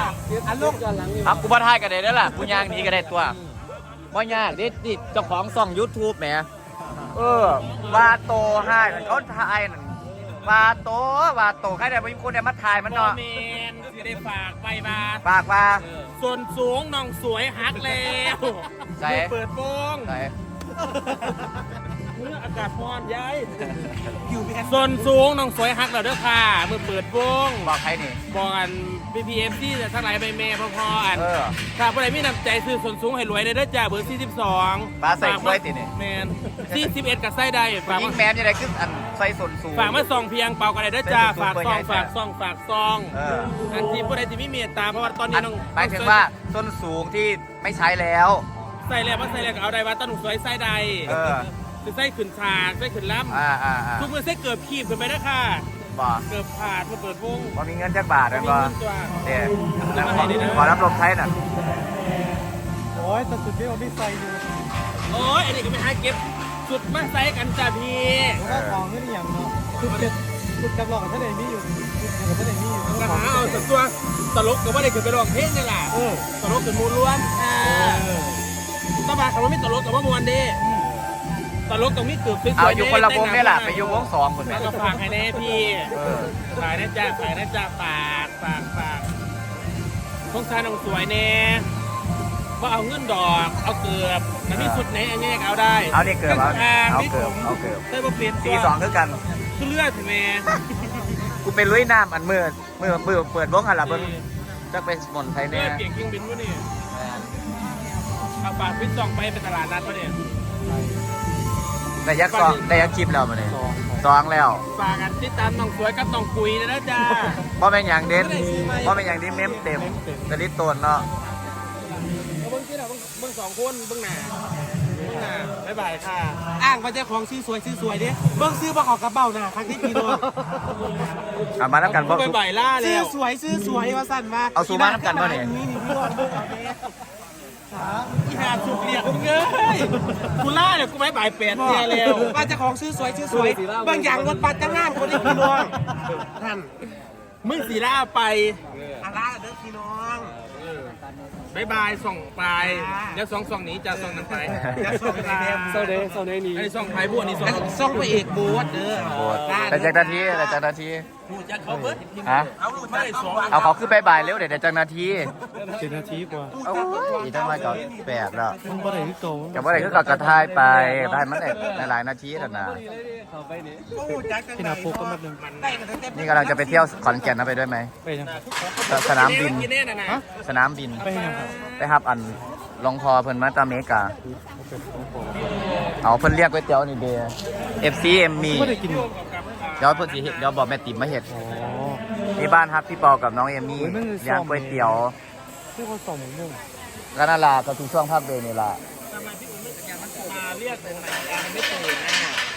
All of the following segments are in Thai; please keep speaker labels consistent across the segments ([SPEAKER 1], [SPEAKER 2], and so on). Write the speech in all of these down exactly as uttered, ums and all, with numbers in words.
[SPEAKER 1] อันลูก
[SPEAKER 2] อ่ะกูบ่ทายกันได้แล้วล่ะกูย่างหนี้ก็ได้ตัวบ่ยากดิดิเจ้าของช่อง YouTube แหมเออวาโตให้เขาทายนั่นวาโตวาโตใครได้บ่มีคนได้มาทายมันเนาะ
[SPEAKER 1] เมนสิได้ฝากไปมา
[SPEAKER 2] ปากว่า
[SPEAKER 1] ส่วนสูงน้องสวยฮักแล้วเปิดโปง
[SPEAKER 2] ไหน
[SPEAKER 1] เมื่ออากาศร้อนย้ายส่วนสูงน้องสวยฮักแล้วเด้อค่ะเมื่อเปิดโปง
[SPEAKER 2] บอกใครนี่
[SPEAKER 1] บอกกันพีพีเอฟซีทั้งหลายใบเมย์พอๆอัน
[SPEAKER 2] เออ
[SPEAKER 1] ถ้าผู้ใดมีน้ำใจซื้อส่วนสูงให้รวยได้เด้อจ้าเบอร์สี่สิบสอง
[SPEAKER 2] ปลาใส่กล้วยตินี่
[SPEAKER 1] แมนสี่สิบเอ็ดกับไส้ได้ฝาก
[SPEAKER 2] ยิ
[SPEAKER 1] มาง
[SPEAKER 2] แมนยังไงขึ้นอันใส่ส่วนสูง
[SPEAKER 1] ฝากมาซองเพียงเปล่ากันได้เด้อจ้า
[SPEAKER 2] ใส่
[SPEAKER 1] ฝาก
[SPEAKER 2] ส่วนสูง
[SPEAKER 1] ซองฝากซองฝากซอง
[SPEAKER 2] เออ
[SPEAKER 1] อันที่ผู้ใดที่มีเมตตาเพราะว่าตอนนี้
[SPEAKER 2] อัน
[SPEAKER 1] น้อง
[SPEAKER 2] หมายถึงว่าส้นสูงที่ไม่ใช้แล้ว
[SPEAKER 1] ใส่แล้วมาใส่แล้วก็เอาได้ว่าต้นหนุ่มสวยไส้ใด
[SPEAKER 2] เออ
[SPEAKER 1] คือไส้ขืนฉากไส้ขืนล้
[SPEAKER 2] อ่าอ่าอ่า
[SPEAKER 1] ำทุกมือไส้เกือบขีบขึ้นไปนะค่ะ
[SPEAKER 2] บอก
[SPEAKER 1] เกือบขาดมาเปิดวง
[SPEAKER 2] ว่ามีเงินจักบาทเลย
[SPEAKER 1] มี
[SPEAKER 2] บ่
[SPEAKER 1] เงินตัว
[SPEAKER 2] เดี๋ยวแล้วขอขอรับลมไทยหน่อย
[SPEAKER 3] โอ้ยแต่สุดที่เราไม่ใส่อยู่
[SPEAKER 1] โอ้ยอันนี้ก็ไม่หาเก็บสุดมาใส่กันจ้าพี่
[SPEAKER 3] แล้วก็ของขึ้นอย่างเนาะสุดเจ็ดสุดกับหลอกกับท่านเองมีอยู่สุดกับท่านเองมีอยู่
[SPEAKER 1] กระหาเอาแต่ตัวตลกก็ว่าได้ขึ้นไปร้องเพลงนี่แหละ
[SPEAKER 3] เออ
[SPEAKER 1] ตลกขึ้นมูลล้วนอ่า
[SPEAKER 3] เออ
[SPEAKER 1] ตบาคำว่าไม่ตลกกับว่ามวนเด้ตลกตรงนี้เกือบสวยๆ
[SPEAKER 2] เอาอยู่คนละวงนี่แหละไปอยู่วงสองคน
[SPEAKER 1] แล้ว
[SPEAKER 2] แม่
[SPEAKER 1] ก็ฝากให้แน่พี่
[SPEAKER 2] เออ
[SPEAKER 1] ฝากนะจ๊ะฝากนะจ๊ะฝากฝากฝากสงสารน้องสวยแน่ว่าเอาเงินดอกเอาเกือบมันมีสุดไหนอันนี้เอาได้
[SPEAKER 2] เอานี่เกือบเอา
[SPEAKER 1] อ่
[SPEAKER 2] เอา
[SPEAKER 1] มี
[SPEAKER 2] เกือบ
[SPEAKER 1] ผม
[SPEAKER 2] เอาเกือบ
[SPEAKER 1] ได้มาเปลี่ยน
[SPEAKER 2] สีสองคือกัน
[SPEAKER 1] คือเลือดถึงแม่
[SPEAKER 2] กูเป็นลุยน้ำอันมือมือมือเปิดวงหันหลังเบิ้งจะเป็นสมุนไพร
[SPEAKER 1] เลื
[SPEAKER 2] เนี่
[SPEAKER 1] อย ดเก่งยิ่งบินวะนี่เอาฝากพิซซองไปเป็นตลาดนัดวะเนี่ย
[SPEAKER 2] แต่ยักษ์ซองแต่ยักษ์คลิปแล้วมาเนี่ยซองแล้ว
[SPEAKER 1] ฝากกันติดตามน้องสวยกับน้องกุยนะนะจ๊ะ
[SPEAKER 2] เพราะเป็นอย่างเด่นเพราะเป็นอย่างที่เมมเต็มกระลิตโตนเนาะ
[SPEAKER 1] เอาเบิ้งที่ไหนเบิ้งเบิ้งสองคนเบิ้งหน้าเบิ้งหน้าบ๊ายบายค่ะอ้างมาเจ้าของซื้อสวยซื้อสวยดิเบิ้งซื้อมาขอกระเป๋าหน้าครั้งที่พี่โดน
[SPEAKER 2] เอามาน้ำกันบ่
[SPEAKER 1] บ๊ายบายล่า
[SPEAKER 3] ซื้
[SPEAKER 1] แล้
[SPEAKER 3] อ
[SPEAKER 1] ว
[SPEAKER 3] สวยซื้อสวยว่าสั่นมา
[SPEAKER 2] เอาสูมาน้ำกันบ่เนี่ย
[SPEAKER 3] นี่นี่พี่รอดเบิ่งเอาเด้
[SPEAKER 1] อีหาสุกเรียกมึงเอ้ยกูล่าเนี่ยกูบ๊ายบายแปดเทียแล้ว
[SPEAKER 3] ว่าเจะของซื้อสวยซื้อสวยบางอย่างรถบัสจะง่างคนที่พี่น้องท่าน
[SPEAKER 1] มึงสีล่าไป
[SPEAKER 3] อาลาเด้อพี่น้อง
[SPEAKER 1] บ๊ายบายส่องไปเดี๋ยวส่องส่องหนี้จะส่องนั้นไป
[SPEAKER 3] จะส่งในเดม
[SPEAKER 1] เซาเดย์เซาเดย์นี้ไอ้ส่องไผ่บัวนี่ส่อง
[SPEAKER 3] ส่งไปเอกบูธเด้อ
[SPEAKER 2] โอ้แต่จากนาทีแต่จากนาที
[SPEAKER 1] พูดจะเขาเบิด
[SPEAKER 2] ฮะ
[SPEAKER 1] เอาลูกไม่ได้สอง
[SPEAKER 2] เอาเขาขึ้นไปบ่ายเร็วเดี๋ยวจากนาที
[SPEAKER 3] เจ็ดนาทีกว่า
[SPEAKER 2] เอาอีกตั้งมาก่อนแปดแล้ว
[SPEAKER 3] มันบ่ได้ที่โต
[SPEAKER 2] แต่ว่าอะไรก็กระทายไปได้มันได้หลายนาทีแล้วนะ
[SPEAKER 3] พี่นาปุ๊กก็มาหนึ่ง
[SPEAKER 2] นี่กำลังจะไปเที่ยวขอนแก่นนะไปด้วยไหม
[SPEAKER 3] ไปยัง
[SPEAKER 2] สนามบิน
[SPEAKER 1] กินแน่นะนะ
[SPEAKER 2] สนามบิน
[SPEAKER 3] ไปยังครับ
[SPEAKER 2] ไปครับอันลงพอเพิ่นมาตาเมกา เอาเพิ่นเรียกก๋วยเตี๋ยวนี่เดย์เอฟซีเอ็มมี
[SPEAKER 3] ไม่ได้กิน
[SPEAKER 2] เดี๋ยวเพิ่นสิเฮ็ดเดี๋ยวบอกแม่ติ๋มมาเฮ็ด
[SPEAKER 3] อ๋อ
[SPEAKER 2] ที่บ้านครับพี่ปอกับน้องเอมมี่
[SPEAKER 3] โอ้ยมันเลยซ่
[SPEAKER 2] เลี้ย
[SPEAKER 3] อม
[SPEAKER 2] งก๋วยเตี๋ยว
[SPEAKER 3] เรียกว่าสองหมื่นหนึ่ง
[SPEAKER 2] ก็น่ารักก็ทุกช่วงภาคเบรนี่ล่ะ
[SPEAKER 1] ทำไมพี่อุ่นไม่สัญญาณมาเรียกตรงไหนอ่ะไม่ตื่น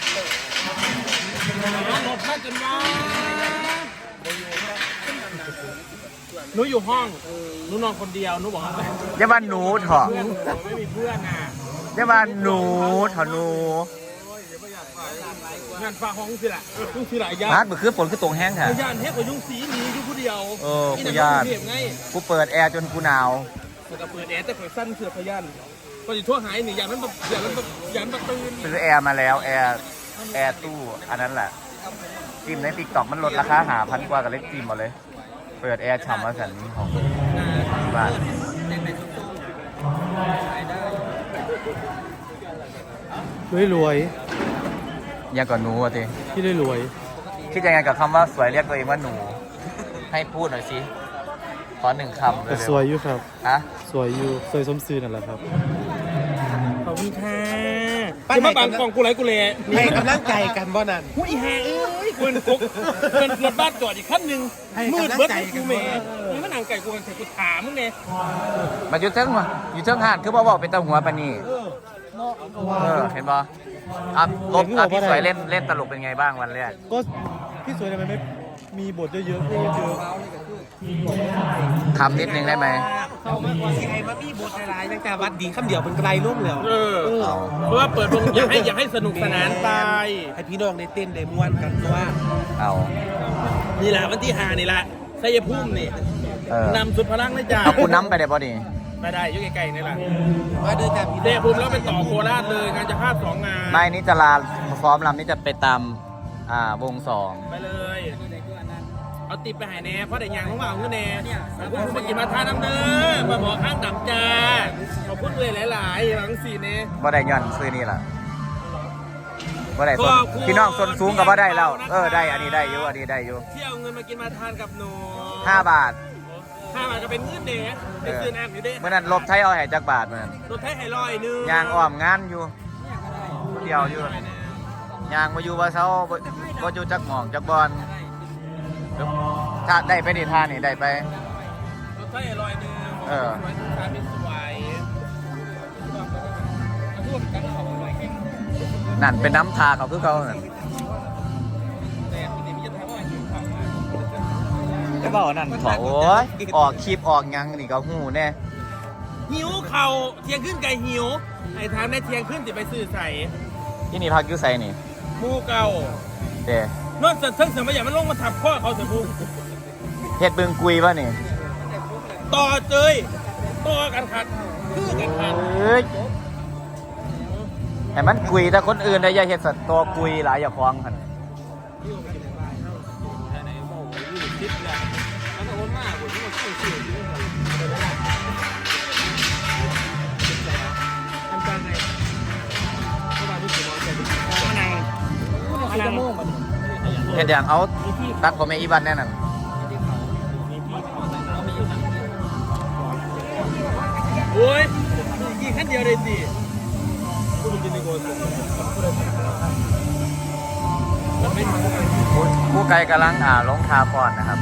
[SPEAKER 1] นะรถมาจนว่าหนูอยู่ห้องหนูนอนคนเดียวหนูบอกว่า
[SPEAKER 2] อย่ามาหนูเถอะ
[SPEAKER 1] เพื่อนหนูไม่มีเพื่อนอ่ะ
[SPEAKER 2] อย่ามาหนูเถอะหนู
[SPEAKER 1] งานฟ้าห้องสิละยุ่งสิละยา
[SPEAKER 2] ฮาร์ดเมื่อคืนฝนคือตรงแห้งค่ะ
[SPEAKER 1] ยานเทพกับยุ่งสีหนีอยู่ผู้เดียว
[SPEAKER 2] เออ
[SPEAKER 1] นี่
[SPEAKER 2] กู
[SPEAKER 1] นะ
[SPEAKER 2] ยาน
[SPEAKER 1] เทพไง
[SPEAKER 2] กูเปิดแอร์จนกูหนาว
[SPEAKER 1] มันก็เปิดแอร์แต่ข่อยสั้นเสือพยันก็จะทั่วหายหนียานมันแบบยานมันแบบยานมันตื่น
[SPEAKER 2] ซื้อแอร์มาแล้วแอร์แอร์ตู้อันนั้นแหละจิมในติ๊กต็อกมันลดราคาหาพันกว่ากับเล็กจิมหมดเลย เปิดแอร์ฉ่ำมาสันนี้ของที่บ้าน
[SPEAKER 3] รวยรวย
[SPEAKER 2] ยังก่อนหนูอ่ะที
[SPEAKER 3] พี่ได้รวย
[SPEAKER 2] คิดยังไงกับคำว่าสวยเรียกตัวเองว่าหนู ให้พูดหน่อยสิขอหนึ่งคำเล
[SPEAKER 3] แต่
[SPEAKER 2] ย
[SPEAKER 3] สวยอยู่ครับ
[SPEAKER 2] ฮะ
[SPEAKER 3] สวยอยู่สวยสมซื่อนั่นแหละครับ
[SPEAKER 1] ขอบคุณค่ะจะมาบังกล่องกูไรกูเลย
[SPEAKER 3] ให้กำลังใจกันบ่นั่น
[SPEAKER 1] ผู้อีแห่เอ้ยกูเป็นกุ๊กเป็นรถบ้านจอดอีกขั้นหนึ่ง
[SPEAKER 3] ให้
[SPEAKER 1] มืด
[SPEAKER 3] กำลัง
[SPEAKER 1] เบิด
[SPEAKER 3] ใจ
[SPEAKER 1] กู
[SPEAKER 3] กัน
[SPEAKER 1] เม
[SPEAKER 3] บ่
[SPEAKER 1] ย์นี่มันหนังไก่กูกันเสร็จกูถามมึงไง
[SPEAKER 2] มาอยู่เทิงวะอยู่เทิงหาดคือบ่บอกเป็นตาหัวปะนี่เออเห็นบ่อ่ะลบอ่ะพี่สวยเล่นเล่นตลกเป็นไงบ้างวันแรก
[SPEAKER 3] ก็พี่สวยทำไมไม่มีบทเยอะๆเยอะ
[SPEAKER 2] ทำนิดนึงได้ไหม
[SPEAKER 3] เขามากกว่าสิไอ้มามีบทหลายๆตั้งแต่วัดดีคำเดียวเป็นไกลลุ่มแล้ว
[SPEAKER 1] เออ
[SPEAKER 2] เอา
[SPEAKER 1] เพราะว่าเปิดวงอยากให้อยากให้สนุกสนานไป
[SPEAKER 3] ให้พี่น้องได้เต้นได้ม่วนกันตัว
[SPEAKER 2] เอา
[SPEAKER 1] นี่แหละวันที่หานี่แหละชัยภูมินี่
[SPEAKER 2] เออน
[SPEAKER 1] ำสุดพลังเลยจ้า
[SPEAKER 2] เอาคุณน้ำไปได้ป่ะนี่
[SPEAKER 1] ไปได้อยุ่ไกลๆนี่แหละ
[SPEAKER 3] มาเดินจากพี่
[SPEAKER 1] เตะบุมแล้วไปต่อโคราชเลยงานจะพลาดสองงาน
[SPEAKER 2] ไม่นี่จะลาซ้อมลำนี่จะไปตามอ่าวงสอง
[SPEAKER 1] ไปเลย เอาติดไปหายแน่เพราะแต่ยางของเราเงินแน่ขอบคุณคุณมากินมาทานน้ำเด้อมาบอกข้างดำจ้าขอบคุณเลยหลายๆหลังสี่เน่
[SPEAKER 2] บ่ได้ย้อนซื้อนี่ล่ะบ่ได้ส่วนพี่น้องส่วนสูงก็บ่ได้แล้วเออได้อันนี้ได้อยู่อันนี้ได้อยู่
[SPEAKER 1] ที่เอาเงินมากินมาทานกับหนู
[SPEAKER 2] ห้าบาท
[SPEAKER 1] ห้าบาทก็เป็นเงินเด้เป็นเงินแอมอยู่เด้
[SPEAKER 2] เมื่อนั้นลบไทยเอาให้จักบาทเมื่อนั้น
[SPEAKER 1] รถไทยไฮลอยนึง
[SPEAKER 2] ยางอ้อมงานอยู่เดียวอยู่ยางมาอยู่ว่าเช้าบ่บ่อยู่จักหม่องจักบอลถ้าได้ไปนี่ท่านี่ได้ไป
[SPEAKER 1] รถไทยไฮลอยนึง
[SPEAKER 2] เออ
[SPEAKER 1] สวยสวยสวย
[SPEAKER 2] นั่นเป็นน้ำทาเขาคือเขานั่น
[SPEAKER 1] แต่ปกติมีจะทำว่าหิวข้าวมา
[SPEAKER 2] ก็บอกนั่นขอโอ้ยออกคลิปออกหยังนี่ก็หูแน่
[SPEAKER 1] หิวเข่าเที่ยงขึ้นไก่หิวไอ้ทางในเที่ยงขึ้นจะไปซื้อใส่
[SPEAKER 2] ที่นี่พักอยู่ไสนี่
[SPEAKER 1] หมูเก่า
[SPEAKER 2] เด้
[SPEAKER 1] นอกจากทั้งเสมัยอย่างมันลงมาทับข้อเขาเสียบุ
[SPEAKER 2] เฮ็ดบึงกุยป่ะนี่
[SPEAKER 1] ต่อเจยต่อกันขัดคือกันขัด
[SPEAKER 2] เอ้ยให้มันกุยแต่คนอื่นได้อย่าเฮ็ดสัตว์ตัวกุยหลายอย่าฟ้องกัน
[SPEAKER 1] ทิปเลยมันโอนมากกว่าที่มันต้องซื้อที่มันอันการไงเข้ามาที่สมองแต่มะนาวมะนาวโม่ง
[SPEAKER 2] เฮ็ดอย่างเอาตัดผมให้อีบันแน่นั่น
[SPEAKER 1] โอ้ยยิงขั้นเดียวเลยสิพูดจริงๆโกนมันไม่ทำกัน
[SPEAKER 2] ผู้ผู้ไกลกำลังอ่าลงคาพรนะครับ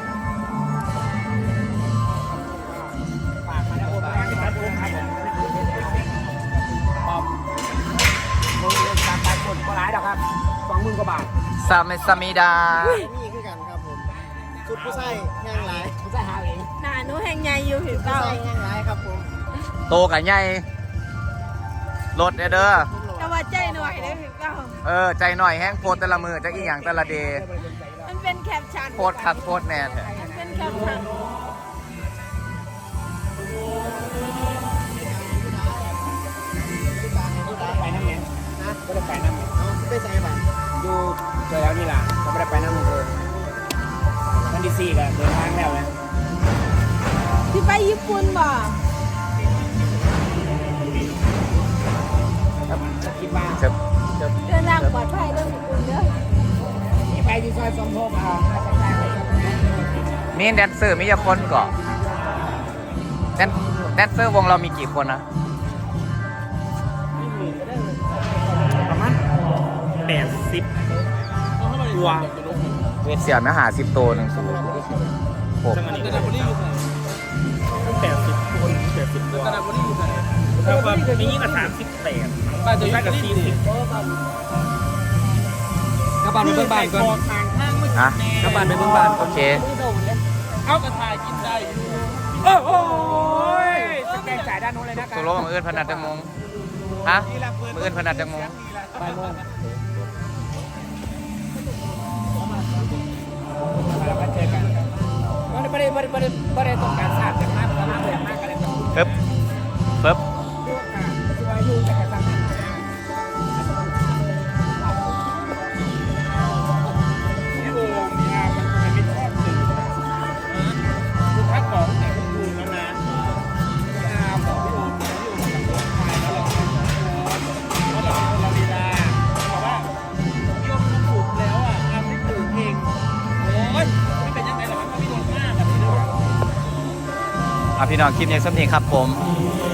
[SPEAKER 1] ฝากมาแล้วโอนมาครับโอนครับปอมมึงเล่นตามไปกดก็ร้ายดอกครับสองหมื่นกว่าบาท
[SPEAKER 2] ซาเมซามิดา
[SPEAKER 3] นี่คือกันครับผมชุดผู้ใส่แห้งหลาย
[SPEAKER 1] ผมจะหาเอง
[SPEAKER 4] หนาหนูแห่งใหญ่อยู่ผิว
[SPEAKER 3] ผู้
[SPEAKER 4] เก่า
[SPEAKER 3] ใส่แห้งหลายครับผม
[SPEAKER 2] โตกับใหญ่รถเด้อเด้อ
[SPEAKER 4] แต่ว่าใจหน่อยเลยผิวเก่า
[SPEAKER 2] เออ ใจหน่อยแห้งโพดแต่ละมือจะอีหยังแต่ละเดย์
[SPEAKER 4] มันเป็นแคปชั่น
[SPEAKER 2] โพดคักโพดแน่แท้
[SPEAKER 4] มันเป็นแคปชั่น
[SPEAKER 1] ไปน้ำเงี้ย
[SPEAKER 3] นะ
[SPEAKER 1] ก็ได้ไปน้ำเงี้ย
[SPEAKER 3] เอาไปใส่บ้าง
[SPEAKER 1] ดูเจอแล้วนี่ล่ะก็ไม่ได้ไปน้ำมันเลยวันที่สี่ก็เดินทางแล้วนะ
[SPEAKER 4] ที่ไปญี่ปุ่นบ่
[SPEAKER 1] คิดว่า
[SPEAKER 2] จะ
[SPEAKER 4] เดินทางปลอดภัยเรื่องญี่ปุ่นเด้อ
[SPEAKER 1] ที่ไปที่ซอยสมภพอ่า
[SPEAKER 2] มีแดนเซอร์มีกี่คนก่อนแดนแดนเซอร์วงเรามีกี่คนนะ
[SPEAKER 1] ประมาณแปดสิบตัว
[SPEAKER 2] เสียมาหาสิบตัวหนึ่งสูงโอ้
[SPEAKER 1] จังหวะนี้ก็แปดสิบคนแปดสิบตัวแล้วก็มียิ่งกว่าสามสิบแปดบ้านจะได้กับสี่สิบ
[SPEAKER 3] กระบาดไปเบิ่งบ้านก่อน
[SPEAKER 2] ฮะ
[SPEAKER 3] กระบาดไปเบิ่งบ้าน
[SPEAKER 2] โอเค
[SPEAKER 1] เอากระถายกินได้โอ้โหสแกนจ่ายด้านโน้นเลยนะครั
[SPEAKER 2] ตัวโลมืออื่นพนัดจังมงฮะมืออื่นพนัดจังมง
[SPEAKER 3] บ่ายโมง
[SPEAKER 1] เราไปเจอกันไม่ได้ไม่ได้ไม่ได้ไม่ได้ต้องการทราบจากมากมากเลยมากอะไรแบบ
[SPEAKER 2] ปึ๊บปึ๊บ
[SPEAKER 1] ที่ว่าอยู่แต่การทำงานนี่โอ้มีอามันคงไม่ชอบสื่อคือถ้าบอกแต่คุณดูแล้วนะอาบอกพี่โอมนะพี่โอมกับน้องชายแล้วเราเพราะเราเป็นคนเราดีดาบอกว่าพี่โอมเขาปลูกแล้วอ่ะอาไม่ปลูกเองโอ้ยไม่เป็นยังไงหรอกมันก็ไม่โดนมากแบบนี้ด้วย
[SPEAKER 2] อ่ะพี่น้องคลิปนี้สักทีครับผม
[SPEAKER 1] ค